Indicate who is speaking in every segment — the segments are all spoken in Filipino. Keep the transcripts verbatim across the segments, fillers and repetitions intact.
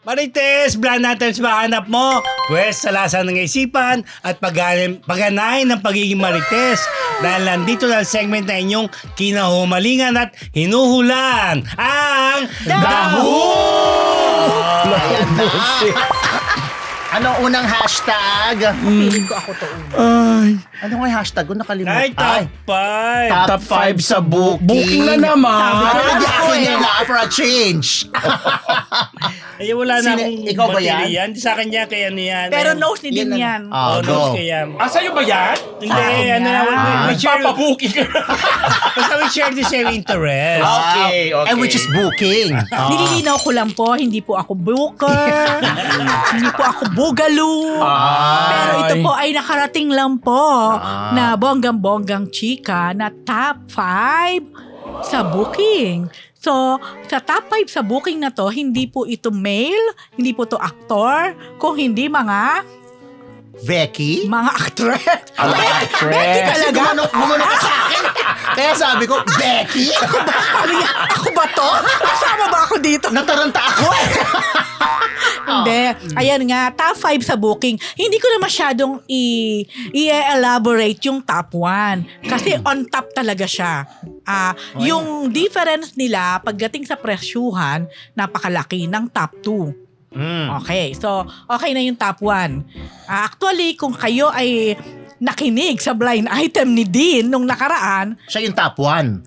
Speaker 1: Marites, Blind Items ba hanap mo? Pwes, salasan ng isipan at pag- pagganahin ng pagiging Marites. Dahil nandito na ang segment na inyong kinahumalingan at hinuhulan. Ang Dahu!
Speaker 2: Ayan na. Ano unang hashtag?
Speaker 3: Feeling ko ako to una.
Speaker 2: Ay. Ano nga yung hashtag ko? Nakalimutan.
Speaker 1: Ay, top five.
Speaker 2: Top five sa booking.
Speaker 4: Booking na naman.
Speaker 2: Sabi ko, hindi
Speaker 3: Ako
Speaker 2: akin
Speaker 3: eh.
Speaker 2: yan na for a change.
Speaker 1: Ay, wala na
Speaker 2: Sino-
Speaker 1: akong
Speaker 2: ikaw ba yan?
Speaker 1: baterya. Hindi sa akin yan, kaya ano yan.
Speaker 3: Pero
Speaker 1: Ayun.
Speaker 3: nose ni din
Speaker 2: Yan
Speaker 3: yan.
Speaker 2: ang- Ah,
Speaker 1: Oh,
Speaker 2: go.
Speaker 1: nose ko yan.
Speaker 4: Ah, sa'yo ba yan?
Speaker 1: Hindi,
Speaker 3: Ah,
Speaker 1: ano na, we, we, we share,
Speaker 4: Papabuking ka.
Speaker 1: basta we share the same interest.
Speaker 4: Okay, okay.
Speaker 2: And which is booking. Ah.
Speaker 3: Nililinaw ko lang po, hindi po ako booker, hindi po ako boogaloo. Pero ito po ay nakarating lang po
Speaker 2: Ah.
Speaker 3: na bonggang-bonggang chika na top five sa booking. So, sa top five sa booking na to, hindi po ito male, hindi po to actor, kung hindi mga
Speaker 2: Becky?
Speaker 3: mga actress.
Speaker 4: Ang
Speaker 3: Becky
Speaker 4: actress.
Speaker 3: talaga?
Speaker 2: Gumanok, gumanok ka sa akin. Kaya sabi ko, Becky?
Speaker 3: Sabi niya, ako ba to? Kasama ba ako dito?
Speaker 2: Nataranta ako eh.
Speaker 3: Hindi. Ayan nga, top five sa booking. Hindi ko na masyadong i- i-elaborate yung top one. Kasi on top talaga siya. Ah, yung difference nila pagdating sa presyuhan, napakalaki ng top two.
Speaker 2: Mm.
Speaker 3: Okay, so okay na yung top one. Ah, actually, kung kayo ay nakinig sa blind item ni Dean nung nakaraan,
Speaker 2: Siya yung top one.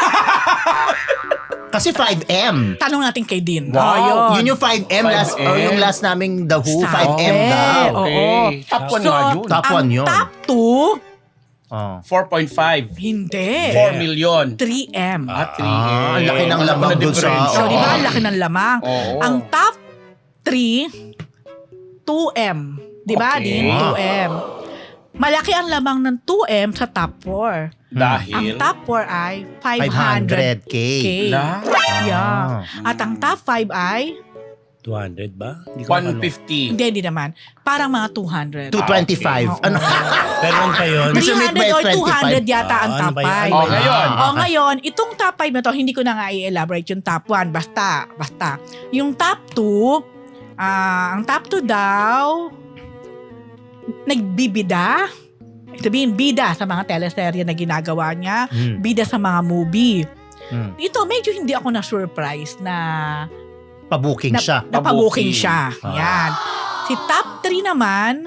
Speaker 2: Kasi five M.
Speaker 3: tanong natin kay Dean.
Speaker 4: Wow.
Speaker 3: Oh,
Speaker 2: Yun yung five M, last,
Speaker 4: five M.
Speaker 2: or yung last naming The Who,
Speaker 3: Sabi.
Speaker 2: five M daw.
Speaker 4: Okay.
Speaker 3: Oo.
Speaker 4: Top one
Speaker 3: So,
Speaker 4: nga yun.
Speaker 2: Top
Speaker 3: ang
Speaker 2: one yun.
Speaker 3: top two,
Speaker 2: Oh.
Speaker 4: four point five.
Speaker 3: hindi.
Speaker 4: four million.
Speaker 3: three M.
Speaker 4: At three.
Speaker 2: Ah, ang laki ng
Speaker 4: Alam
Speaker 2: lamang
Speaker 4: ko na
Speaker 2: dun sa-
Speaker 4: difference.
Speaker 3: So, di ba? Ang laki ng lamang.
Speaker 4: Oo.
Speaker 3: Ang top three, two M. Di ba,
Speaker 4: Okay.
Speaker 3: Dean? two M. Malaki ang lamang ng two M sa top four. Ang
Speaker 4: Dahil.
Speaker 3: top four ay five
Speaker 2: five
Speaker 3: hundred
Speaker 2: hundred K.
Speaker 3: K.
Speaker 4: La?
Speaker 3: Yeah. At ang top five ay,
Speaker 1: two hundred ba? Hindi ko
Speaker 4: one
Speaker 1: ano.
Speaker 4: fifty.
Speaker 3: hindi, hindi naman. Parang mga two hundred.
Speaker 2: two twenty-five.
Speaker 3: Ah, okay.
Speaker 2: Ano?
Speaker 1: Pero ano pa yun?
Speaker 2: Gusto
Speaker 3: three hundred
Speaker 2: may
Speaker 3: or two hundred
Speaker 2: twenty-five.
Speaker 3: yata ang
Speaker 1: Ah,
Speaker 3: top
Speaker 1: ano ba yun?
Speaker 3: five.
Speaker 4: Oh, ngayon.
Speaker 2: Ah,
Speaker 3: O ngayon, itong top five na to, hindi ko na nga i-elaborate yung top one. Basta, basta. Yung top two, ah, ang top two daw, nagbibida. Sabihin, bida sa mga teleserye na ginagawa niya.
Speaker 2: Hmm.
Speaker 3: Bida sa mga movie.
Speaker 2: Hmm.
Speaker 3: Ito, medyo hindi ako na-surprise na
Speaker 2: Pabooking
Speaker 3: na,
Speaker 2: siya.
Speaker 3: napabuking
Speaker 4: Pabuking.
Speaker 3: siya.
Speaker 2: Ah.
Speaker 3: Yan. Si top three naman,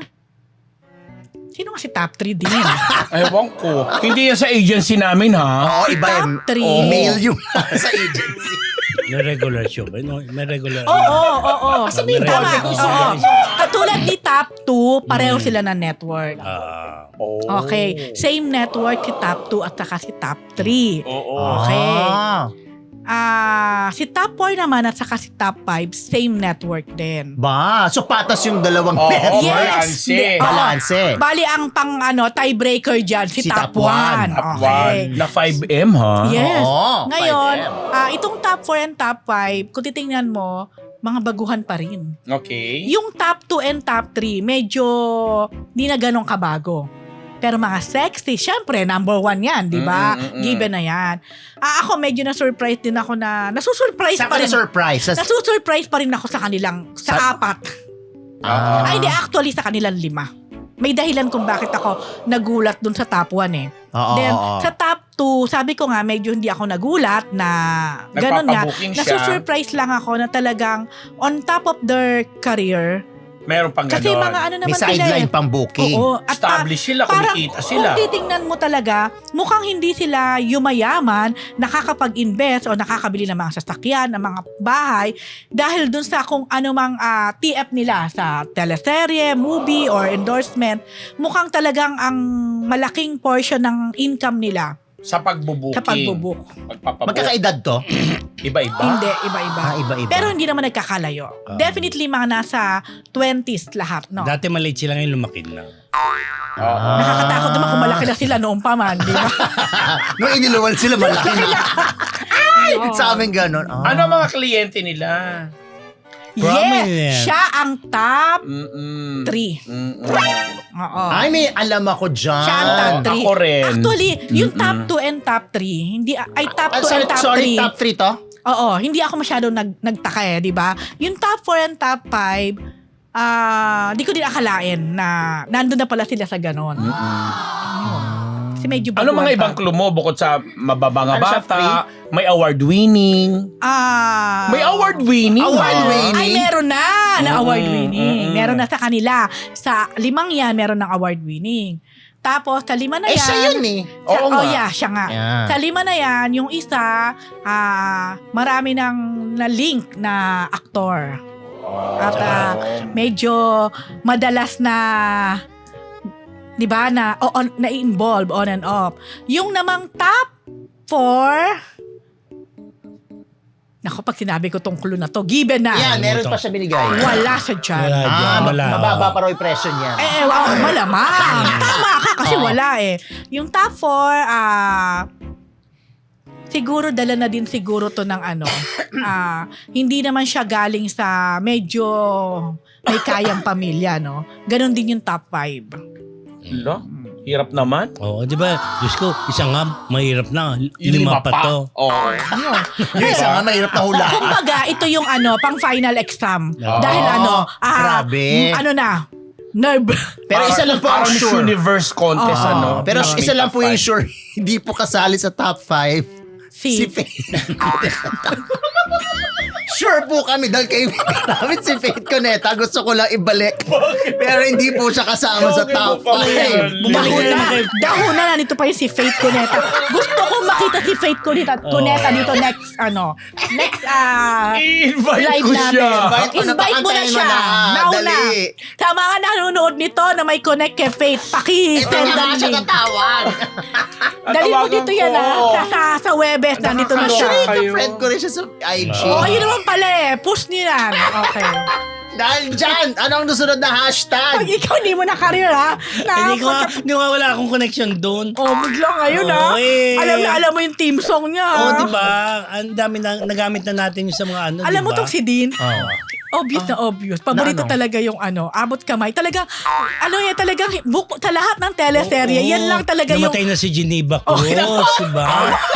Speaker 3: sino nga si top three din?
Speaker 4: Ewan ko. Hindi yan sa agency namin, ha?
Speaker 2: Oo, iba
Speaker 3: top
Speaker 2: yung
Speaker 3: three.
Speaker 2: oh, mail yung sa agency.
Speaker 1: May regular show ba? No, may regular.
Speaker 3: Oo, oo, oo.
Speaker 1: Sabihin mo,
Speaker 3: Tama.
Speaker 1: regular
Speaker 3: Oo.
Speaker 1: show.
Speaker 3: Katulad ni top two, pareho
Speaker 1: Mm.
Speaker 3: sila na network.
Speaker 1: Ah.
Speaker 4: Oh.
Speaker 3: Okay. Same network si top two at saka si top three.
Speaker 4: Oo.
Speaker 3: Okay.
Speaker 2: Ah,
Speaker 3: Ah, si top four naman at saka si top five, same network din.
Speaker 2: ba, so patas yung dalawang
Speaker 4: Oo,
Speaker 2: network.
Speaker 4: Yes.
Speaker 3: Di- oo.
Speaker 2: Balanse.
Speaker 3: Bali ang pang ano, tiebreaker dyan, si,
Speaker 2: Si
Speaker 3: top
Speaker 2: top one.
Speaker 3: one.
Speaker 4: Top
Speaker 3: Okay.
Speaker 4: one. Na five M, ha?
Speaker 3: Yes.
Speaker 2: Oo,
Speaker 3: Ngayon,
Speaker 2: five M.
Speaker 3: ah, itong top four and top five, kung titingnan mo, mga baguhan pa rin.
Speaker 4: Okay.
Speaker 3: Yung top two and top three, medyo di na ganun kabago. Pero mga sexy, syempre, number one yan, di ba?
Speaker 4: Mm, mm, mm.
Speaker 3: Given na yan. Ah, ako, medyo na-surprise din ako na, nasusurprise
Speaker 2: Saan
Speaker 3: pa
Speaker 2: ka
Speaker 3: rin.
Speaker 2: na-surprise? Sa-
Speaker 3: Nasusurprise pa rin ako sa kanilang, sa,
Speaker 2: Sa-
Speaker 3: apat.
Speaker 2: Ah.
Speaker 3: Ay, hindi, actually, sa kanilang lima. May dahilan kung bakit ako nagulat dun sa top one eh.
Speaker 2: Oo,
Speaker 3: Then,
Speaker 2: oo.
Speaker 3: sa top two, sabi ko nga, medyo hindi ako nagulat na ganun nga.
Speaker 4: Nagpapabuking siya.
Speaker 3: Nasusurprise lang ako na talagang on top of their career.
Speaker 4: Meron pang
Speaker 3: Kasi
Speaker 4: ganon.
Speaker 3: mga ano
Speaker 2: May
Speaker 3: naman sila eh.
Speaker 2: sideline pang booking.
Speaker 3: Oo. At ah,
Speaker 4: Established sila,
Speaker 3: parang
Speaker 4: kumikita sila.
Speaker 3: kung titingnan mo talaga, mukhang hindi sila yumayaman, nakakapag-invest o nakakabili ng mga sasakyan, ng mga bahay, dahil dun sa kung anumang ah, T F nila sa teleserye, movie, or endorsement, mukhang talagang ang malaking portion ng income nila
Speaker 4: Sa pagbubuking.
Speaker 3: sa pagbubuk.
Speaker 4: Pagpapabook.
Speaker 2: Magkakaedad to?
Speaker 4: Iba-iba.
Speaker 3: Hindi, iba-iba.
Speaker 2: Ah, iba-iba.
Speaker 3: Pero hindi naman nagkakalayo.
Speaker 1: Ah.
Speaker 3: Definitely mga nasa twenties lahat, no?
Speaker 1: Dati maliit sila ngayon lumaki na.
Speaker 4: Oo.
Speaker 3: Nakakatakot naman kung malaki na sila noong pa man, di ba?
Speaker 2: Nung iniluwal sila, malaki na. Ay!
Speaker 3: Oo.
Speaker 2: Sa amin ganun. Ah.
Speaker 4: Ano ang mga kliyente nila?
Speaker 1: Prominent.
Speaker 3: Yes! Siya ang top
Speaker 4: Mm-mm.
Speaker 3: three.
Speaker 4: Mm-mm.
Speaker 3: Oo.
Speaker 2: Ay, may alam ako dyan.
Speaker 3: Siya ang top three.
Speaker 4: Ako rin.
Speaker 3: Actually, yung
Speaker 4: Mm-mm.
Speaker 3: top two and top three, hindi, ay top
Speaker 2: Ah,
Speaker 3: two
Speaker 2: sorry,
Speaker 3: and top
Speaker 2: sorry,
Speaker 3: three.
Speaker 2: top three to?
Speaker 3: Oo, hindi ako masyadong nag, nagtaka eh, di ba? Yung top four and top five, ah, di ko din akalain na nandun na pala sila sa ganon. Kasi medyo
Speaker 4: Ano
Speaker 3: baguhan
Speaker 4: mga
Speaker 3: pa.
Speaker 4: ibang clue mo bukod sa mababang
Speaker 2: Ano siya,
Speaker 4: bata, may award-winning?
Speaker 3: Ah,
Speaker 4: May award-winning?
Speaker 2: Award-winning?
Speaker 3: Ay, meron na na
Speaker 4: Mm,
Speaker 3: award-winning.
Speaker 4: mm, mm.
Speaker 3: Meron na sa kanila. Sa limang yan, meron ng award-winning. Tapos, sa lima na
Speaker 2: Eh,
Speaker 3: yan...
Speaker 2: siya yun eh.
Speaker 3: Siya,
Speaker 4: Oo
Speaker 3: oh,
Speaker 4: nga.
Speaker 3: yeah, siya nga.
Speaker 2: Yeah.
Speaker 3: Sa lima na yan, yung isa, ah, marami ng na-link na aktor. At ah, medyo madalas na, di ba, na, o, on, na-involve on and off. Yung namang top four, naku, pag sinabi ko tong clue na to, given na.
Speaker 2: Yan, meron pa siya binigay.
Speaker 3: Wala siya dyan.
Speaker 1: Wala
Speaker 2: Ah,
Speaker 1: dyan, wala.
Speaker 2: mababa pa raw yung presyo niya.
Speaker 3: Eh, eh, wow, malamang. Tama ka kasi wala eh. Yung top four, ah, siguro dala na din siguro to ng ano, ah, hindi naman siya galing sa medyo may kayang pamilya, no? Ganon din yung top five.
Speaker 4: Lo? Hirap naman.
Speaker 1: Oo, di ba? Diyos ko, isa nga, mahirap na. Lima, pa to.
Speaker 4: Oo.
Speaker 2: Yung isa nga mahirap na hulaan.
Speaker 3: Kumbaga, ito yung ano, pang final exam.
Speaker 1: Oo.
Speaker 3: Dahil ano, ah,
Speaker 2: Grabe.
Speaker 3: mm, ano na, nerve.
Speaker 2: Pero isa lang po ang
Speaker 4: Parang Miss
Speaker 2: sure.
Speaker 4: Universe contest,
Speaker 3: Oo.
Speaker 4: ano?
Speaker 2: Pero
Speaker 4: Na
Speaker 2: isa
Speaker 4: may
Speaker 2: lang
Speaker 4: top
Speaker 2: po yung
Speaker 4: five.
Speaker 2: sure, hindi po kasali sa top five. Si
Speaker 3: Si,
Speaker 2: Faith. Sure po kami dahil kayo namin si Faith Cuneta. Gusto ko lang ibalik. Pero hindi po siya kasama sa
Speaker 4: Bakit
Speaker 2: top
Speaker 4: mo pa
Speaker 2: five.
Speaker 4: yan?
Speaker 1: Bumalik
Speaker 3: Dahuna,
Speaker 1: na naman kayo.
Speaker 3: dahuna na nito pa yung si Faith Cuneta. Gusto ko makita si Faith Cuneta, Cuneta dito next, ano, next, ah,
Speaker 4: I-invite
Speaker 3: live
Speaker 4: ko
Speaker 3: natin.
Speaker 4: siya.
Speaker 2: Invite mo na,
Speaker 3: Invite mo na
Speaker 2: pakantayin mo
Speaker 3: siya.
Speaker 2: na.
Speaker 3: Now na.
Speaker 2: Dali.
Speaker 3: Sa mga nanonood nito na may connect kay Faith,
Speaker 2: Ito
Speaker 3: paki-send
Speaker 2: na nga
Speaker 3: ang
Speaker 2: siya
Speaker 3: link.
Speaker 2: tatawag.
Speaker 3: Dali mo
Speaker 4: Tatawagan
Speaker 3: dito yan
Speaker 4: ko.
Speaker 3: ah. Sa, sa, sa Webes, nandito na siya.
Speaker 4: Nakakaloka.
Speaker 2: Actually,
Speaker 4: Kayo.
Speaker 2: friend ko rin siya sa I G.
Speaker 3: Oh, yun naman pala eh. Push niyo yan. Okay.
Speaker 2: Dahil dyan, anong susunod na
Speaker 3: Pag
Speaker 2: hashtag?
Speaker 3: ikaw hindi mo na career ha.
Speaker 1: Hindi ko,
Speaker 3: Na,
Speaker 1: hindi ko wala akong connection doon.
Speaker 3: oh, bigla ngayon
Speaker 1: Oo,
Speaker 3: ha.
Speaker 1: eh.
Speaker 3: Alam na alam mo yung team song niya.
Speaker 1: Oo,
Speaker 3: ha?
Speaker 1: di ba? Ang dami na, nagamit na natin yung sa mga ano,
Speaker 3: Alam
Speaker 1: di
Speaker 3: mo
Speaker 1: ba?
Speaker 3: tong si Dean?
Speaker 1: Oo.
Speaker 3: Obvious na obvious. Paborito
Speaker 2: Na ano?
Speaker 3: talaga yung ano, abot kamay. Talagang, ano yan, talagang, book, sa lahat ng teleserye,
Speaker 1: Oo.
Speaker 3: yan lang talaga yung...
Speaker 1: Namatay na si Geneva
Speaker 3: Oh,
Speaker 1: Cruz,
Speaker 3: nako.
Speaker 1: di ba?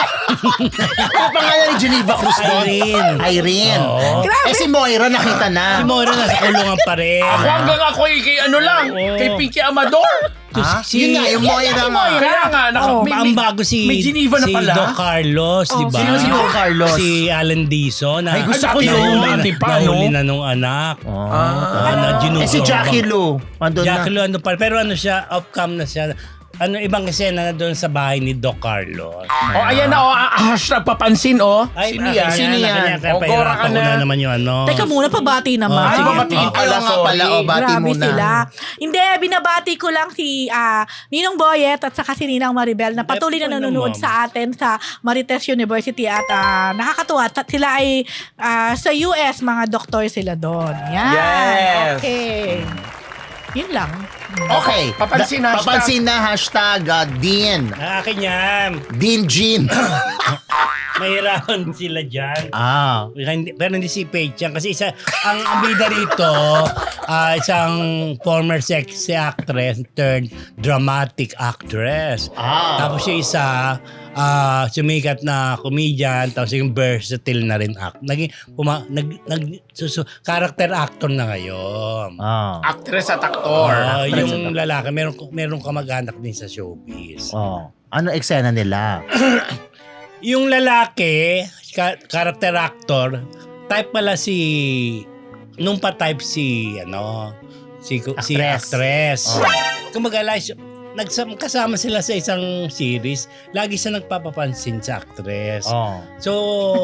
Speaker 2: Ano pangalan ni Geneva Cruz doon?
Speaker 1: Irene.
Speaker 2: Irene.
Speaker 1: Oo.
Speaker 3: Grabe.
Speaker 2: Eh si Moira nakita na.
Speaker 1: Si Moira nasa kulungan pa rin.
Speaker 4: Ako hanggang ako eh, kay ano lang,
Speaker 1: Oo.
Speaker 4: kay Pinky Amador.
Speaker 2: Ha?
Speaker 1: Si-
Speaker 2: Yun nga, yung Moira nga.
Speaker 4: Kaya nga, naka,
Speaker 3: Oh,
Speaker 4: may,
Speaker 1: Ang
Speaker 4: may,
Speaker 1: bago si,
Speaker 4: may Geneva na
Speaker 1: si
Speaker 4: pala.
Speaker 1: Doc Carlos,
Speaker 3: Oh,
Speaker 1: di ba?
Speaker 2: sino si Doc Carlos?
Speaker 1: Si Alan Dizon. Na,
Speaker 2: Ay, gusto
Speaker 4: ko
Speaker 1: nahuli
Speaker 4: yun.
Speaker 1: na-
Speaker 4: Dati pa,
Speaker 1: nahuli
Speaker 4: no?
Speaker 1: na nung anak.
Speaker 2: Oh.
Speaker 1: Ah, na
Speaker 2: Eh si
Speaker 1: ginugo.
Speaker 2: Jackie Lou. Andun na.
Speaker 1: Jackie Lu, ano pa. Pero ano siya, off-cam na siya. Ano, ibang eksena na doon sa bahay ni Doc Carlos.
Speaker 4: Oh, ayan na, oh, ah, hashtag papansin, oh.
Speaker 1: Ay,
Speaker 4: Sino
Speaker 1: ah,
Speaker 4: yan?
Speaker 2: Sino
Speaker 1: kanya-
Speaker 2: yan?
Speaker 1: kanya- Kaya
Speaker 4: O, Gora
Speaker 1: pahirapan
Speaker 4: ka
Speaker 1: ko na
Speaker 4: na.
Speaker 1: naman yung ano.
Speaker 3: Teka muna, pabati naman.
Speaker 1: Oh,
Speaker 4: Ay,
Speaker 1: sige.
Speaker 4: babatiin
Speaker 2: Oh,
Speaker 4: pala,
Speaker 2: ayaw nga pala,
Speaker 4: sorry.
Speaker 2: oh, bati
Speaker 3: Grabe
Speaker 2: muna.
Speaker 3: sila. Hindi, binabati ko lang si ah, Ninong Boyet at saka si Ninang Maribel na patuloy na
Speaker 1: Eh,
Speaker 3: nanonood
Speaker 1: ma'am.
Speaker 3: sa atin sa Marites University at ah, nakakatuwa. At sila ay ah, sa U S, mga doktor sila doon. Yan.
Speaker 4: Yes.
Speaker 3: Okay. Yun lang.
Speaker 2: Okay.
Speaker 4: Papansin
Speaker 2: Da-
Speaker 4: hashtag.
Speaker 2: Papansin na hashtag uh, Dean.
Speaker 1: Ah, akin yan.
Speaker 2: Dean Jean.
Speaker 1: Mahirapan sila dyan.
Speaker 2: ah.
Speaker 1: Hindi- Pero hindi si Paige yan. Kasi isa, ang, ang bida rito, ah, isang former sexy actress turned dramatic actress.
Speaker 2: Ah.
Speaker 1: Tapos yung isa, ah, sumikat na comedian, tapos yung versatile na rin act. Naging, puma, nag, nag, susu, character actor na ngayon.
Speaker 2: Ah.
Speaker 4: Actress at actor.
Speaker 1: Ah,
Speaker 2: actress
Speaker 1: yung lalaki, meron, meron kamag-anak din sa showbiz.
Speaker 2: Oh. Ano eksena nila?
Speaker 1: Yung lalaki, ka- character actor, type pala si, nung pa type si, ano, si, si
Speaker 2: Actress.
Speaker 1: actress.
Speaker 2: Oh.
Speaker 1: Kumagala, nagsam, kasama sila sa isang series, lagi siya nagpapapansin sa actress.
Speaker 2: Oh.
Speaker 1: So,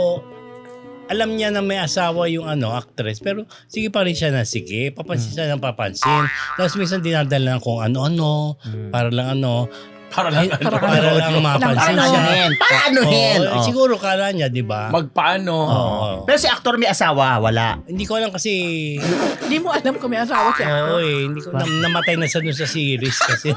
Speaker 1: alam niya na may asawa yung ano, actress, pero sige pa rin siya na sige, papansin siya ng papansin. Tapos minsan dinadala ng kung ano-ano,
Speaker 2: Hmm.
Speaker 1: para lang ano,
Speaker 4: Para lang,
Speaker 1: para,
Speaker 4: ano,
Speaker 1: lang mapansin
Speaker 3: Lang ano.
Speaker 1: siya.
Speaker 2: Anuhin. Para anuhin.
Speaker 1: Oo,
Speaker 2: Oh.
Speaker 1: siguro kala niya, di ba?
Speaker 4: magpaano.
Speaker 1: Oo.
Speaker 2: Pero si actor may asawa, wala.
Speaker 1: Hindi ko alam kasi,
Speaker 3: Hindi mo alam kung may asawa siya.
Speaker 1: oo eh, hindi ko, nam- namatay na sa dun sa series kasi.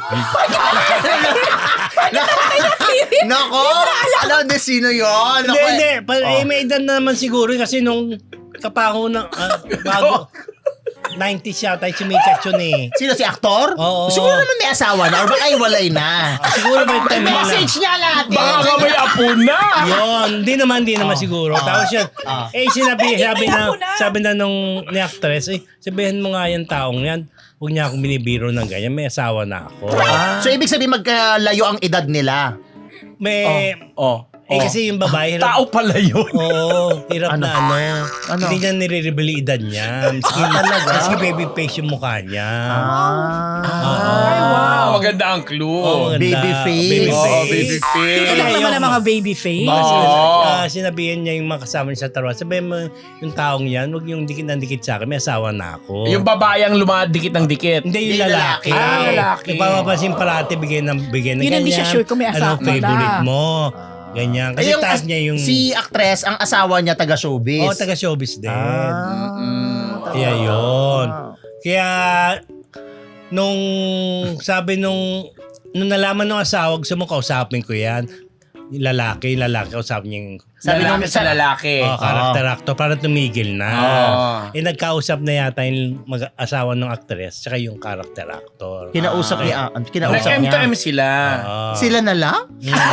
Speaker 2: Nako! Alam na sino yun?
Speaker 1: Hindi,
Speaker 2: Nako,
Speaker 1: hindi. Pa,
Speaker 2: Oh.
Speaker 1: eh, may edad na naman siguro kasi nung kapaho na, ah, bago. nineties yata yung sumikat yun eh.
Speaker 2: Sino si aktor?
Speaker 1: Oo.
Speaker 2: Siguro naman may asawa na or baka ay walay na.
Speaker 1: Siguro ba yung time na
Speaker 2: Message niya natin.
Speaker 4: Baka ka may apo na.
Speaker 1: Yun, hindi naman, hindi naman siguro. Tapos yun,
Speaker 2: Ah.
Speaker 1: eh sinabi, sabi na,
Speaker 3: ako na.
Speaker 1: sabi na nung ni actress, eh, sabihin mo nga yung taong yan, huwag niya akong binibiro ng ganyan, may asawa na ako.
Speaker 2: So ibig sabihin magkalayo ang edad nila.
Speaker 1: May,
Speaker 4: Oh.
Speaker 1: eh kasi yung babae, hirap,
Speaker 4: Tao pala yun.
Speaker 1: oo, hirap
Speaker 2: Ano?
Speaker 1: na ano,
Speaker 2: Ano?
Speaker 1: hindi niya nire-reveal yung edad niya. Maski,
Speaker 2: talaga?
Speaker 1: maski baby face yung mukha niya.
Speaker 2: Ah.
Speaker 4: Ay, wow. Maganda ang clue.
Speaker 1: Oo, maganda.
Speaker 2: Baby face.
Speaker 1: Baby
Speaker 4: Oo,
Speaker 1: face.
Speaker 4: baby face.
Speaker 3: Ito lang
Speaker 1: Kaya
Speaker 3: naman
Speaker 1: yung-
Speaker 3: ang mga baby face.
Speaker 1: Baka
Speaker 4: Oo.
Speaker 1: sinabi- ah, sinabihan niya yung mga kasama niya sa taruan. Sabihin mo, yung taong yan, huwag yung dikit ng dikit sa akin, may asawa na ako.
Speaker 4: Yung babae ang lumadikit ng dikit.
Speaker 1: Hindi yung
Speaker 2: Yung
Speaker 1: lalaki.
Speaker 2: lalaki.
Speaker 4: Ah, lalaki.
Speaker 1: Ipapapansin parati, bigay ng bigay ng
Speaker 3: Yun,
Speaker 1: ganyan.
Speaker 3: hindi siya sure kung may asawa
Speaker 1: Anong favorite
Speaker 3: na.
Speaker 1: mo? Ganyan. Kasi
Speaker 2: Eh, yung
Speaker 1: taas
Speaker 2: as-
Speaker 1: niya yung...
Speaker 2: Si actress, ang asawa niya taga showbiz.
Speaker 1: Oh, taga showbiz din.
Speaker 2: Ah.
Speaker 1: Kaya yun. Kaya, nung sabi nung, nung nalaman ng asawa, gusto mo kausapin ko yan. Yung lalaki, yung lalaki, kausapin niya yung
Speaker 2: Sabi
Speaker 4: lalaki
Speaker 2: nung-
Speaker 4: sa lalaki.
Speaker 1: oh, character actor para tumigil na.
Speaker 4: Oo.
Speaker 1: Eh, nagkausap na yata yung mag-asawa ng actress tsaka yung character actor.
Speaker 2: Kinausap
Speaker 1: Ah,
Speaker 2: niya. ah, Kinausap
Speaker 4: Nag-M to
Speaker 2: niya.
Speaker 4: M sila.
Speaker 1: Oo.
Speaker 2: Sila na lang?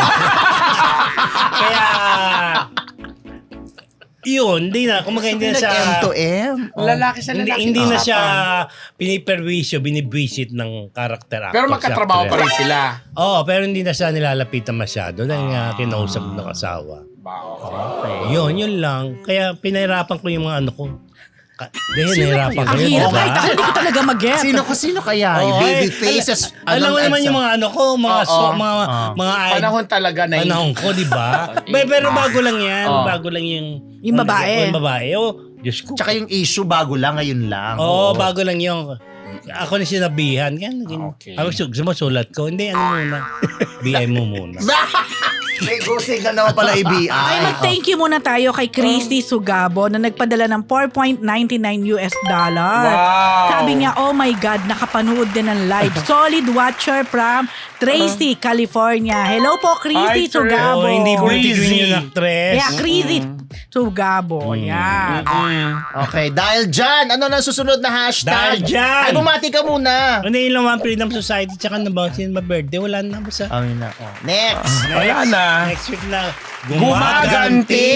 Speaker 1: Kaya, yun, hindi na. Kumaga hindi na siya...
Speaker 2: Nag-M to M? Oh.
Speaker 4: Lalaki sa
Speaker 1: Hindi,
Speaker 4: lalaki.
Speaker 1: hindi na siya
Speaker 4: usapan.
Speaker 1: piniperwisyo, binibwisit ng character actor.
Speaker 4: Pero
Speaker 1: sa
Speaker 4: magkatrabaho pa
Speaker 1: actress.
Speaker 4: rin sila.
Speaker 1: Oo, pero hindi na siya nilalapitan masyado dahil nga kinausap ng asawa.
Speaker 2: Okay.
Speaker 1: Yun, yun lang. Kaya pinahirapan ko yung mga ano ko. Ka- Dahil nahirapan ko
Speaker 3: Ang
Speaker 1: yun,
Speaker 3: hirap
Speaker 1: diba?
Speaker 3: kahit ako hindi ko talaga mag-get.
Speaker 2: Sino ko sino kaya? Yung
Speaker 1: Oo,
Speaker 2: baby
Speaker 1: eh,
Speaker 2: faces.
Speaker 1: Alam, alam mo naman yung mga ano ko, mga
Speaker 4: Oo.
Speaker 1: so, mga
Speaker 2: Oo.
Speaker 1: mga id-
Speaker 4: Panahon talaga na yun.
Speaker 1: panahon ko, di ba? Ba- pero bago lang yan,
Speaker 4: Oo.
Speaker 1: bago lang yung
Speaker 3: Yung babae.
Speaker 1: Yung babae. Oh, Diyos ko.
Speaker 2: Tsaka yung issue bago lang, ngayon lang.
Speaker 1: Oo, bago lang yung ako na sinabihan. Yan, ganyan.
Speaker 4: Okay.
Speaker 1: Ako, gusto mo sulat ko? Hindi, ano muna? B I mo muna.
Speaker 2: May gusing ka naman pala i B I.
Speaker 3: Ay, mag-thank you muna tayo kay Christy Sugabo na nagpadala ng four point nine nine U S dollar.
Speaker 4: Wow.
Speaker 3: Sabi niya, oh my God, nakapanood din ng live. Solid watcher from Tracy, California. Hello po, Christy
Speaker 4: Hi, Tracy.
Speaker 3: Sugabo.
Speaker 1: Oo, hindi pretty
Speaker 4: Crazy.
Speaker 1: green yung actress.
Speaker 3: Yeah, Christy Sugabo. Yan.
Speaker 2: Okay, dahil dyan, ano na susunod na hashtag?
Speaker 1: Dahil dyan.
Speaker 2: Ay, bumati ka muna.
Speaker 1: Hindi yun lang One Freedom Society tsaka na ba sino ba birthday? Wala na ba sa...
Speaker 2: Amin na. Oh. Next.
Speaker 4: Wala na.
Speaker 1: Next week na.
Speaker 4: Gumaganti!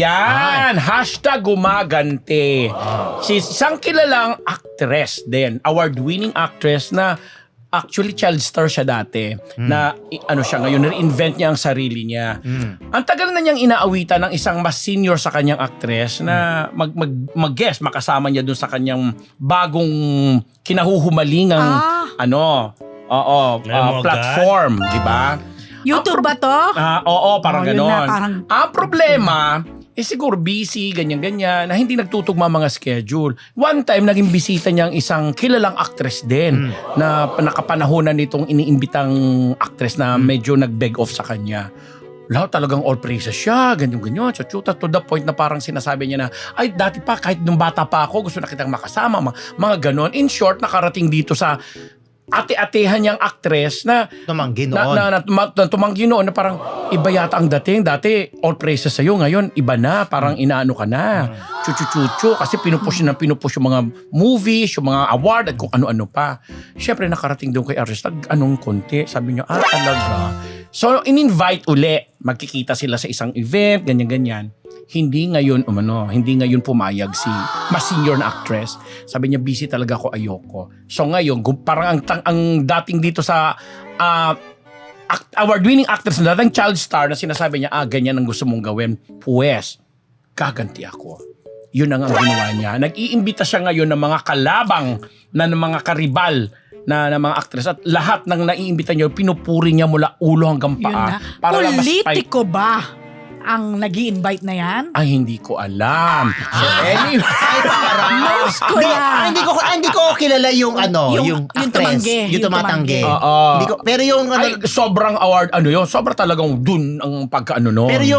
Speaker 4: Yan! Hashtag gumaganti. Si isang kilalang actress din. Award-winning actress na actually child star siya dati. Na i- ano siya ngayon, reinvent niya ang sarili niya. Ang tagal na niyang inaawitan ng isang mas senior sa kanyang actress na mag, mag, mag-guest, makasama niya dun sa kanyang bagong kinahuhumalingang
Speaker 3: Ah.
Speaker 4: ano, oo,
Speaker 1: Alam
Speaker 4: ah,
Speaker 1: mo agad?
Speaker 4: platform, di ba?
Speaker 3: YouTube ba to?
Speaker 4: Ah, oo, parang
Speaker 3: Oh, yun
Speaker 4: ganon.
Speaker 3: na, parang-
Speaker 4: Ang problema, eh siguro busy, ganyan-ganyan, na hindi nagtutugma mga schedule. One time, naging bisita niya ang isang kilalang actress din na nakapanahonan nitong iniimbitang actress na medyo nag-beg off sa kanya. Lahat talagang all praises siya, ganyan-ganyan, chuchuta to the point na parang sinasabi niya na, ay dati pa, kahit nung bata pa ako, gusto na kitang makasama, mga, mga ganon. In short, nakarating dito sa ate-atehan niyang actress na
Speaker 2: Tumanggi
Speaker 4: na,
Speaker 2: noon.
Speaker 4: na, na, tuma- na tumanggi noon na parang iba yata ang dating. Dati, all praises sa'yo. Ngayon, iba na. Parang inaano ka na. Chuchu-chuchu. Kasi pinupush na pinupush yung mga movies, yung mga award at kung ano-ano pa. Siyempre, nakarating doon kay artist. Nag anong konti. Sabi niya, ah, talaga. So, in-invite uli. Magkikita sila sa isang event, ganyan-ganyan. Hindi ngayon, umano, hindi ngayon pumayag si mas senior na actress. Sabi niya, busy talaga ako, ayoko. So ngayon, gum- parang ang, tang- ang dating dito sa ah, act- award-winning actress na dating child star na sinasabi niya, ah, ganyan ang gusto mong gawin. Pues, gaganti ako. Yun ang ang ginawa niya. Nag-iimbita siya ngayon ng mga kalabang na ng mga karibal na, na mga actress at lahat ng naiimbita niya, pinupuri niya mula ulo hanggang
Speaker 3: Yun
Speaker 4: paa.
Speaker 3: na.
Speaker 4: lang mas
Speaker 3: Politiko ba ang nag invite na yan?
Speaker 4: ay, hindi ko alam. So, anyway.
Speaker 2: Ay, parang.
Speaker 3: Nurse ko
Speaker 2: Hindi,
Speaker 3: yan.
Speaker 2: ah, hindi ko ah, hindi ko kilala yung ano,
Speaker 3: Yung-
Speaker 2: yung,
Speaker 3: yung
Speaker 2: actress,
Speaker 3: tumanggi,
Speaker 2: yung
Speaker 3: yung
Speaker 2: tumatanggi.
Speaker 3: tumanggi.
Speaker 4: Oo.
Speaker 2: Hindi ko, pero yung ano,
Speaker 4: Ay, sobrang award, ano yun, sobrang talagang dun ang pagkaano no.
Speaker 2: pero yung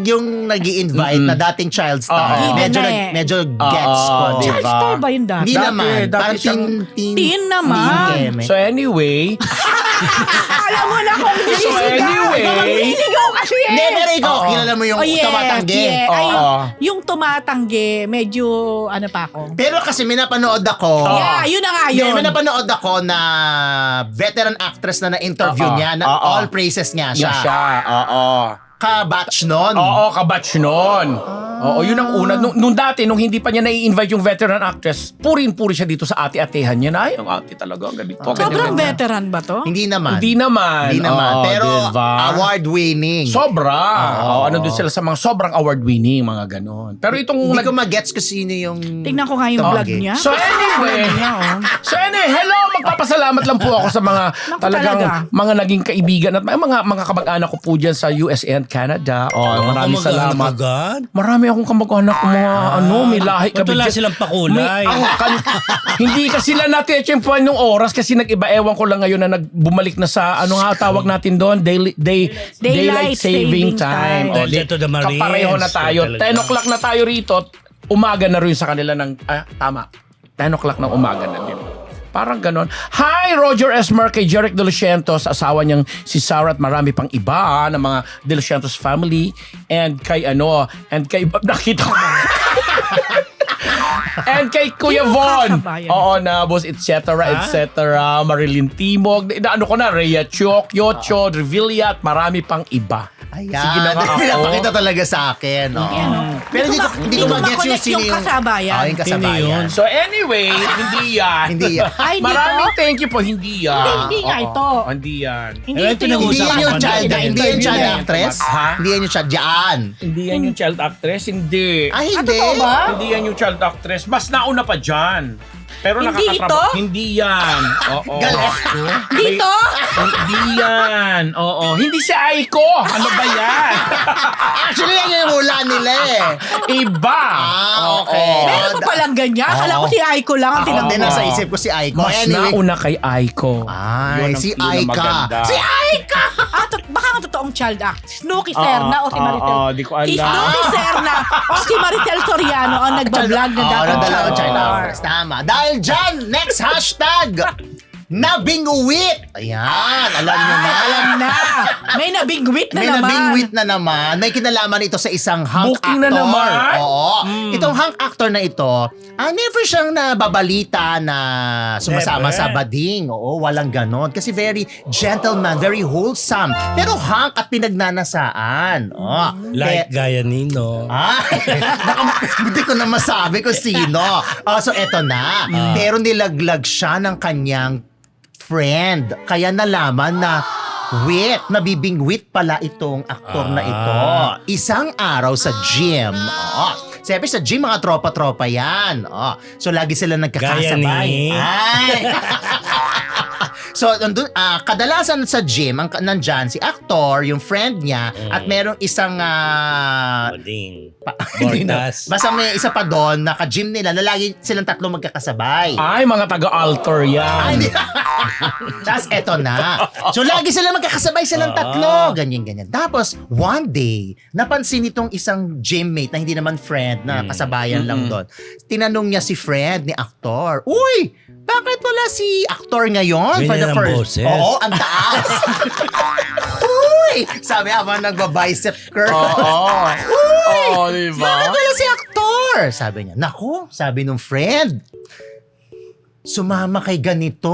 Speaker 2: yung nag-i-invite na dating child star,
Speaker 4: Oo.
Speaker 2: medyo,
Speaker 3: Given na
Speaker 2: nag-
Speaker 3: eh.
Speaker 2: medyo gets
Speaker 4: Oo,
Speaker 2: ko.
Speaker 4: di
Speaker 3: Child
Speaker 4: ba?
Speaker 3: star ba yun dati?
Speaker 2: Hindi
Speaker 4: Dati,
Speaker 2: naman.
Speaker 4: dati
Speaker 2: Parang
Speaker 4: siyang-
Speaker 2: teen, teen,
Speaker 3: Teen naman.
Speaker 2: teen keme.
Speaker 4: So anyway,
Speaker 3: Alam mo na kung
Speaker 4: so
Speaker 3: sisigaw.
Speaker 4: anyway,
Speaker 3: Sisigaw kasi eh.
Speaker 2: Hindi, pero ikaw,
Speaker 4: Oo.
Speaker 2: kilala mo yung
Speaker 3: Oh, yes,
Speaker 2: tumatanggi.
Speaker 3: yes. Ay,
Speaker 4: Oo.
Speaker 3: yung tumatanggi, medyo ano pa ako.
Speaker 2: Pero kasi may napanood ako.
Speaker 3: Yeah, yun na nga
Speaker 2: Hindi,
Speaker 3: yun.
Speaker 2: may napanood ako na veteran actress na na-interview
Speaker 4: Oo.
Speaker 2: niya, na
Speaker 4: Oo.
Speaker 2: all praises niya siya.
Speaker 4: siya, siya. Oo.
Speaker 2: Ka-batch nun.
Speaker 4: Oo, kabatch nun. Oo, yun ang una. Nung, nung dati, nung hindi pa niya nai-invite yung veteran actress, purin-puri siya dito sa ate-atehan niya na, ay, ang ate talaga, ang ganito. ganyan,
Speaker 3: Sobrang
Speaker 4: ganyan."
Speaker 3: veteran ba to?
Speaker 2: Hindi naman.
Speaker 4: Hindi naman.
Speaker 2: Hindi naman.
Speaker 4: Oo,
Speaker 2: Pero
Speaker 4: diba?
Speaker 2: award-winning.
Speaker 4: Sobra.
Speaker 2: Oo.
Speaker 4: Oo, ano doon sila sa mga sobrang award-winning, mga ganon. Pero itong...
Speaker 2: Hindi
Speaker 4: nag-
Speaker 2: ko mag-gets kung sino yung...
Speaker 3: Tingnan ko nga yung vlog
Speaker 2: Tumanggi.
Speaker 3: niya.
Speaker 4: So anyway, so anyway, hello, magpapasalamat lang po ako sa mga
Speaker 3: Naku,
Speaker 4: talagang
Speaker 3: talaga.
Speaker 4: mga naging kaibigan at mga mga, mga kamag-anak ko po diyan sa U S A and Canada. Oh, maraming
Speaker 1: Kamag-anak
Speaker 4: salamat.
Speaker 1: agad?
Speaker 4: Marami akong kamag-anak ko mga ano, may lahi
Speaker 1: Ba't
Speaker 4: kami
Speaker 1: wala
Speaker 4: dyan.
Speaker 1: silang pakulay?
Speaker 4: May- ang kan- hindi kasi sila natitsempuan yung oras kasi nag-iba. Ewan ko lang ngayon na nagbumalik na sa ano nga tawag natin doon, daily, day, daylight,
Speaker 3: Daylight
Speaker 4: saving
Speaker 3: saving
Speaker 4: time.
Speaker 3: time.
Speaker 4: O,
Speaker 1: Dahil
Speaker 4: di-
Speaker 1: dito the Marines.
Speaker 4: kapareho na tayo.
Speaker 1: So, talaga.
Speaker 4: ten o'clock na tayo rito. Umaga na rin sa kanila ng, ah, tama. ten o'clock ng umaga na din. Parang ganon. Hi, Roger Esmer kay Jeric De Los Santos, asawa niyang si Sarah at marami pang iba ng mga De Los Santos family. And kay ano, and kay, nakita ko. And kay Kuya
Speaker 3: Sino
Speaker 4: Von.
Speaker 3: kasabayan?
Speaker 4: Oo, na boss, et cetera, et cetera. Marilyn Timog. Na, ano ko na, Rhea Chok, Yocho, Revilla, at marami pang iba.
Speaker 2: Ayan.
Speaker 4: Sige na nga ako.
Speaker 2: Pinapakita talaga sa akin. Oo.
Speaker 3: Yan, no?
Speaker 2: Pero hindi ko, hindi ko mag-gets yung
Speaker 3: ma-connect
Speaker 2: sino
Speaker 3: yung kasabayan.
Speaker 2: Oh, yung kasabayan.
Speaker 1: Sino yun?
Speaker 4: So anyway, hindi yan.
Speaker 2: Hindi yan.
Speaker 3: Ay, hindi
Speaker 4: Maraming
Speaker 3: to?
Speaker 4: thank you po, hindi yan.
Speaker 3: Hindi, hindi nga
Speaker 4: Oo,
Speaker 3: ito.
Speaker 4: Hindi yan.
Speaker 3: Hindi
Speaker 1: Eh,
Speaker 3: ito yung
Speaker 2: Hindi
Speaker 1: pinag-uusapan
Speaker 2: yan yung
Speaker 1: ko na.
Speaker 2: child,
Speaker 1: Hindi,
Speaker 2: hindi yan child
Speaker 4: hindi.
Speaker 2: actress.
Speaker 4: Ha?
Speaker 2: Hindi yan yung child. Diyan.
Speaker 4: Hindi yan yung child actress, hindi.
Speaker 2: Ay,
Speaker 3: Ah,
Speaker 2: hindi.
Speaker 3: totoo ba?
Speaker 4: Hindi yan yung child actress. Mas nauna pa dyan. Pero
Speaker 3: Hindi
Speaker 4: nakakatrabaho.
Speaker 3: ito?
Speaker 4: Hindi yan. Oo.
Speaker 2: Galit.
Speaker 3: Dito?
Speaker 4: Hindi yan. Oo. Hindi si Aiko. Ano ba yan?
Speaker 2: Actually, yan yung hula nila eh.
Speaker 4: Iba.
Speaker 2: Ah, okay.
Speaker 4: Oo.
Speaker 3: Meron pa palang ganyan. Akala ko
Speaker 2: Oo.
Speaker 3: si Aiko lang ang
Speaker 2: Ako
Speaker 3: tinanong.
Speaker 2: din nasa isip ko si Aiko.
Speaker 4: Mas
Speaker 2: Anyway.
Speaker 4: nauna kay Aiko.
Speaker 2: Ay,
Speaker 4: Yun ang-
Speaker 2: si
Speaker 4: yun ang
Speaker 2: Aika.
Speaker 4: maganda.
Speaker 2: Si Aika!
Speaker 3: Ah, to- baka nga totoong child act. Snooki Serna o si
Speaker 4: ah,
Speaker 3: Maritel.
Speaker 4: ah, di ko alam.
Speaker 3: Si Snooki Serna o si Maritel Soriano ang nagbablog na
Speaker 2: Oo,
Speaker 3: dapat
Speaker 2: nadala ko
Speaker 3: child
Speaker 2: child
Speaker 3: star.
Speaker 2: actress. Tama. Dahil dyan, next hashtag, nabingwit. Ayan, alam nyo na.
Speaker 3: Alam na. May nabingwit na
Speaker 2: May
Speaker 3: naman.
Speaker 2: nabingwit na naman. May kinalaman ito sa isang hunk
Speaker 4: Booking
Speaker 2: actor.
Speaker 4: na naman? Hmm.
Speaker 2: Oo. Itong hunk actor na ito, ah, never siyang nababalita na sumasama
Speaker 1: Never.
Speaker 2: sa bading. Oo, walang ganon. Kasi very gentleman, very wholesome. Pero hunk at pinagnanasaan. Oh.
Speaker 1: Like gaya Nino.
Speaker 2: Ay, baka- hindi ko na masabi kung sino. Oh, so eto na. Pero nilaglag siya ng kanyang friend. Kaya nalaman na wit, nabibingwit pala itong aktor na ito. Isang araw sa gym. Oh. Siyempre sa gym, mga tropa-tropa yan. Oh. So lagi sila nagkakasabay.
Speaker 1: Gaya ni-
Speaker 2: Ay. So, nandun, ah, kadalasan sa gym, ang, nandyan si actor, yung friend niya, at merong isang... ah,
Speaker 1: Bading.
Speaker 2: pa- hindi na.
Speaker 1: Bordas.
Speaker 2: Basta may isa pa doon, naka-gym nila, na lagi silang tatlo magkakasabay.
Speaker 4: Ay, mga taga-alter yan.
Speaker 2: Ay, hindi. Tapos eto na. So lagi sila magkakasabay silang
Speaker 1: Ah.
Speaker 2: tatlo. Ganyan, ganyan. Tapos one day, napansin itong isang gymmate na hindi naman friend, na kasabayan lang doon. Tinanong niya si friend ni aktor, uy, bakit wala si aktor ngayon?
Speaker 1: Ganyan ang boses.
Speaker 2: Oo, ang taas. Uy! Sabi habang nagba-bicep curl.
Speaker 4: Oo.
Speaker 2: Uy!
Speaker 4: Oo, diba?
Speaker 2: Bakit wala si aktor? Sabi niya. Naku, sabi nung friend. Sumama kay ganito.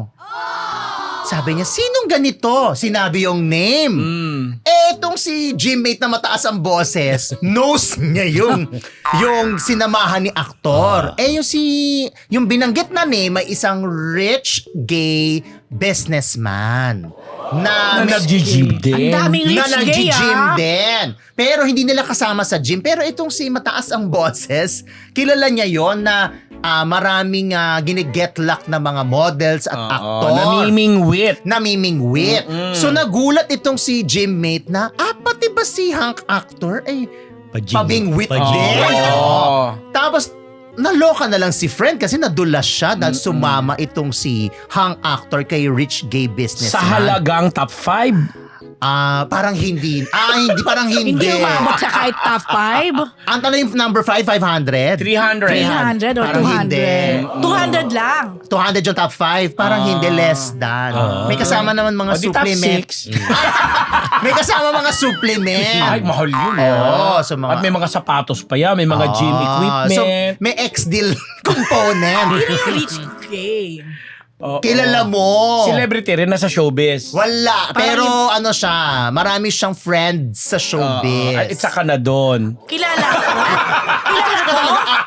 Speaker 2: Sabi niya, sinong ganito? Sinabi yung name.
Speaker 4: Mm.
Speaker 2: Eh, itong si gymmate na mataas ang boses, knows niya yung, yung sinamahan ni aktor. Eh, yung si, yung binanggit na name ay isang rich gay businessman. Na,
Speaker 4: Na nag-gym din.
Speaker 3: Ang daming
Speaker 2: na
Speaker 3: rich gay
Speaker 2: nag-gym
Speaker 3: ah.
Speaker 2: din. Pero hindi nila kasama sa gym. Pero itong si mataas ang boses, kilala niya yon na ah, maraming uh, gine-get-luck na mga models at
Speaker 4: Oo,
Speaker 2: aktor.
Speaker 4: namimingwit.
Speaker 2: Namimingwit. So nagulat itong si gymmate na, ah, pati ba si hunk actor ay
Speaker 1: Pajing-
Speaker 2: pabingwit
Speaker 1: pajing-
Speaker 2: din?
Speaker 4: Oo.
Speaker 2: Oo. Tapos, naloka na lang si friend kasi nadulas siya dahil sumama itong si hunk actor kay rich gay businessman.
Speaker 4: Sa halagang top five.
Speaker 2: Ah, parang hindi. Ah, hindi, parang hindi.
Speaker 3: Hindi umabot sa kahit top five?
Speaker 2: Ang tanong yung number five, five hundred?
Speaker 4: three hundred.
Speaker 3: three hundred or
Speaker 2: Parang
Speaker 3: two hundred?
Speaker 2: hindi.
Speaker 3: two hundred lang.
Speaker 2: two hundred yung top five, parang
Speaker 4: Ah.
Speaker 2: hindi, less than.
Speaker 1: Ah.
Speaker 2: May kasama naman mga
Speaker 4: O di top
Speaker 2: supplement.
Speaker 4: six.
Speaker 2: May kasama mga supplement.
Speaker 4: Ay, mahal yun.
Speaker 2: Oo,
Speaker 4: ah.
Speaker 2: so mga-
Speaker 4: At may mga sapatos pa yan, may mga gym
Speaker 2: Ah,
Speaker 4: equipment.
Speaker 2: So, may ex-deal component.
Speaker 3: Yun yung rich gay.
Speaker 4: Oo.
Speaker 2: Kilala mo.
Speaker 4: Celebrity rin nasa showbiz.
Speaker 2: Wala.
Speaker 3: Parang
Speaker 2: Pero ano siya, marami siyang friends sa showbiz.
Speaker 4: Oo. At saka na doon.
Speaker 3: Kilala ko. Kilala ko.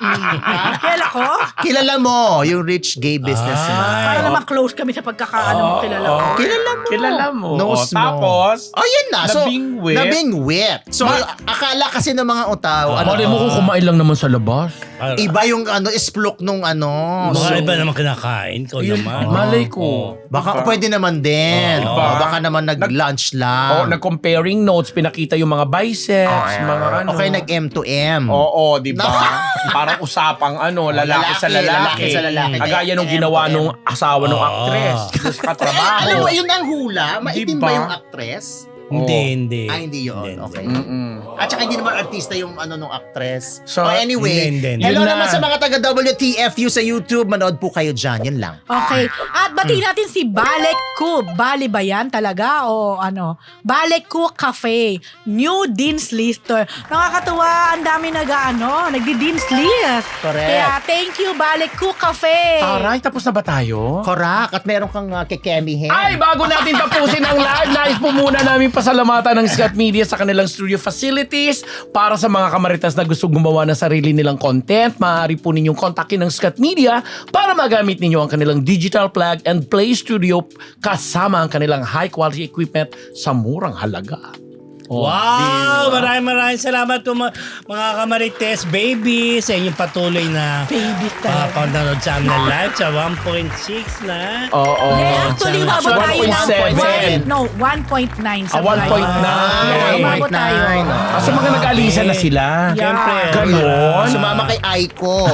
Speaker 3: Kilala ko.
Speaker 2: Kilala mo, yung rich gay businessman.
Speaker 3: Para naman close kami sa pagkakaano mo kilala ko.
Speaker 4: Oo.
Speaker 2: Kilala mo.
Speaker 4: Kilala mo.
Speaker 2: Knows
Speaker 4: O,
Speaker 2: mo.
Speaker 4: tapos,
Speaker 2: Oh, yun na. So,
Speaker 4: Nabingwit.
Speaker 2: Nabingwit. So, akala kasi ng mga utaw, ano,
Speaker 4: mali mo kung kumain lang naman sa labas.
Speaker 2: iba yung ano, isplok nung ano.
Speaker 1: Mga
Speaker 2: So,
Speaker 1: iba naman kinakain ko
Speaker 4: Yun,
Speaker 1: naman.
Speaker 4: malay ko.
Speaker 2: baka pwede naman din.
Speaker 1: Oo.
Speaker 2: Oh, baka naman nag-lunch
Speaker 4: O,
Speaker 2: lang.
Speaker 4: nag-comparing notes, pinakita yung mga biceps, mga ano.
Speaker 2: Okay, nag-M to M.
Speaker 4: Oo, di ba? Parang usapang ano, lalaki,
Speaker 2: Lalaki,
Speaker 4: sa lalaki.
Speaker 2: lalaki sa lalaki.
Speaker 4: Kagaya nung
Speaker 2: M to
Speaker 4: ginawa
Speaker 2: M.
Speaker 4: nung asawa nung
Speaker 1: Oo.
Speaker 4: actress. Dito sa katrabaho.
Speaker 2: Alam mo, yun ang hula. Maitim
Speaker 4: Diba?
Speaker 2: ba yung actress?
Speaker 1: Hindi, hindi.
Speaker 2: Ah, hindi yun. Okay.
Speaker 4: Mm-mm.
Speaker 2: At saka hindi naman artista yung ano nung actress.
Speaker 4: So,
Speaker 2: oh, anyway,
Speaker 1: hindi, hindi.
Speaker 2: hello
Speaker 4: Yun na.
Speaker 2: naman sa mga taga-W T F U sa YouTube. Manood po kayo dyan. Yun lang.
Speaker 3: Okay. At batiin natin si Balek Ku. Bali ba yan talaga? O ano? Balek Ku Cafe. New Dean's Lister. Nakakatuwa. Ang dami nag-ano. Nagdi-Dean's List.
Speaker 2: Correct.
Speaker 3: Kaya thank you, Balek Ku Cafe.
Speaker 4: Aray, tapos na ba tayo?
Speaker 2: Correct. At meron kang uh, kekemihin.
Speaker 4: Ay, bago natin tapusin ang live, nais po muna namin pasalamatan ng Scott Media sa kanilang studio facilities. Para sa mga kamaritas na gusto gumawa ng sarili nilang content, maaari po ninyong kontakin ng Scott Media para magamit ninyo ang kanilang digital plug and play studio kasama ang kanilang high quality equipment sa murang halaga. Oh,
Speaker 1: Wow! Maraming maraming salamat po mga, mga kamarites, baby, sa inyong patuloy na
Speaker 3: Baby
Speaker 1: uh,
Speaker 3: talaga.
Speaker 1: panonood sa amin live sa one point six na.
Speaker 4: Oo.
Speaker 3: Hindi, actually, umabot
Speaker 4: one
Speaker 3: tayo
Speaker 4: point
Speaker 3: ng
Speaker 4: seven.
Speaker 3: one- No, one point nine.
Speaker 4: Ah, one point nine.
Speaker 3: Yeah, umabot tayo.
Speaker 4: Ah, so mga nag-alisa na sila.
Speaker 3: Yeah.
Speaker 1: Siyempre.
Speaker 4: Ganon.
Speaker 2: Sumama kay Aiko.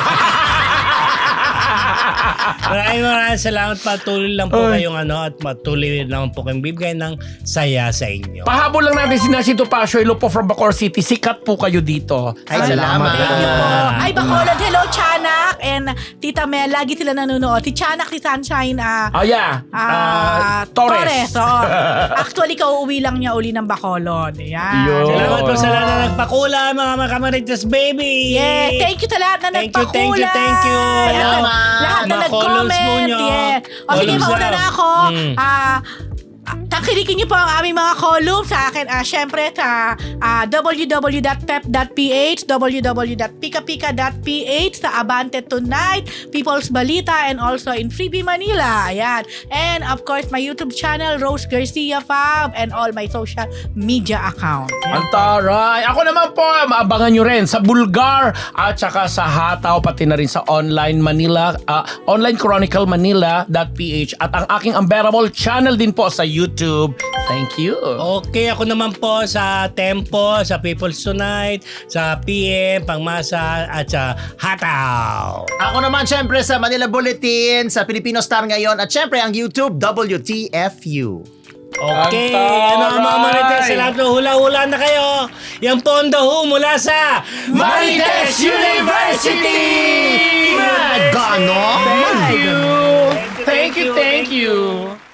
Speaker 1: Maraming maraming salamat. Patuloy lang po kayong ano at patuloy lang po kayong bibigay ng saya sa inyo.
Speaker 4: Pahabol lang natin si Nasito Pasio, hello po from Bacoor City. Sikat po kayo dito.
Speaker 2: Ay, salamat.
Speaker 3: Thank you po.
Speaker 1: Ah.
Speaker 3: Ay, Bacolod. Hello, Chanak. And Tita Mel, lagi sila nanonood. Si Chanak, si Sunshine, ah,
Speaker 4: Oh yeah.
Speaker 3: ah,
Speaker 4: Ah, Torres.
Speaker 3: oo. Actually, kauuwi lang niya uli ng Bacolod. Ayan.
Speaker 4: Yun.
Speaker 1: Salamat po sa lahat na nagpakula, mga mga kamarites, baby!
Speaker 3: Yeah, thank you sa lahat na
Speaker 1: Thank you, thank you,
Speaker 3: nagpakulay.
Speaker 1: thank you.
Speaker 3: At
Speaker 2: Salamat.
Speaker 3: lahat na
Speaker 1: Mga columns po
Speaker 3: nag-comment.
Speaker 1: nyo.
Speaker 3: Yeah. O sige,
Speaker 1: Columns
Speaker 3: mauna
Speaker 1: daw.
Speaker 3: na ako.
Speaker 1: Mm.
Speaker 3: Ah, Takilikin niyo po ang aming mga columns sa akin. Ah, syempre sa ah, w w w dot pep dot p h, w w w dot pika pika dot p h, sa Abante Tonight, People's Balita, and also in Freebie Manila. Ayan. And of course, my YouTube channel, Rose Garcia Fab, and all my social media account.
Speaker 4: Antaray. Ako naman po, maabangan nyo rin sa Bulgar at saka sa Hataw, pati na rin sa Online Manila, ah, Online Chronicle Manila dot p h at ang aking unbearable channel din po sa YouTube. Thank you.
Speaker 1: Okay, ako naman po sa Tempo, sa People's Tonight, sa P M, Pangmasa, at sa Hataw.
Speaker 2: Ako naman syempre sa Manila Bulletin, sa Filipino Star ngayon, at syempre ang YouTube, W T F U.
Speaker 1: Okay,
Speaker 4: Antaray!
Speaker 1: ano ang mga marites? Sa lahat ng hula-hula na kayo. Yan po ang daho mula sa
Speaker 4: Marites University!
Speaker 2: Ganon?
Speaker 4: Thank you. Thank you, thank you.